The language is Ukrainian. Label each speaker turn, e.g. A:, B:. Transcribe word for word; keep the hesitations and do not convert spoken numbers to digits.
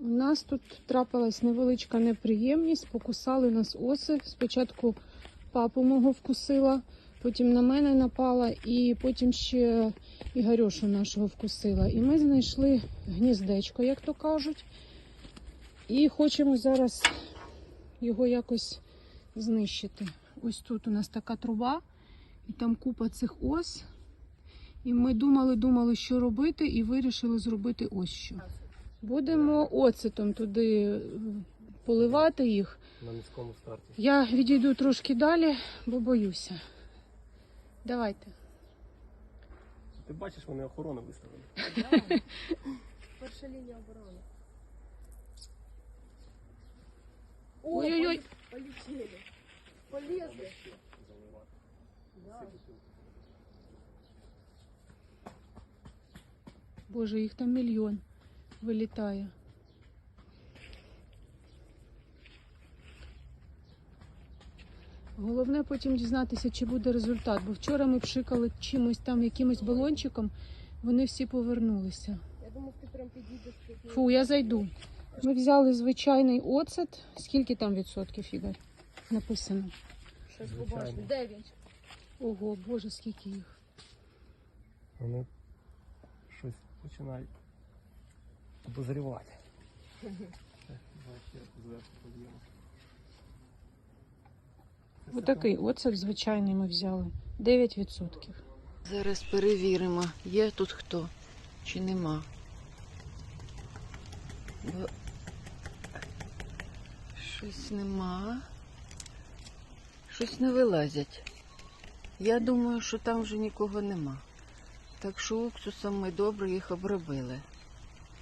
A: У нас тут трапилась невеличка неприємність, покусали нас оси. Спочатку папу мого вкусила, потім на мене напала і потім ще Ігорюшу нашого вкусила. І ми знайшли гніздечко, як то кажуть. І хочемо зараз його якось знищити. Ось тут у нас така труба, і там купа цих ос. І ми думали-думали, що робити, і вирішили зробити ось що. Будемо оцетом туди поливати їх.
B: На низькому старті.
A: Я відійду трошки далі, бо боюся. Давайте.
B: Ти бачиш, вони охорону виставили.
C: Да. Перша лінія оборони.
A: Ой-ой-ой.
C: Полетели. Полезли. Да.
A: Боже, їх там мільйон вилітає. Головне потім дізнатися, чи буде результат. Бо вчора ми пшикали чимось там, якимось балончиком, вони всі повернулися.
C: Я думаю, ти прям підійдеш тут.
A: Фу, я зайду. Ми взяли звичайний оцет. Скільки там відсотків, Ігор? Написано.
C: Щось
B: Звичайно.
C: побачимо. Дев'ять.
A: Ого, Боже, скільки їх.
B: Вони щось починають обозрівати.
A: Отакий оцет звичайний ми взяли. дев'ять відсотків.
D: Зараз перевіримо, є тут хто чи нема. Бо щось нема. Щось не вилазять. Я думаю, що там вже нікого нема. Так що уксусом ми добре їх обробили.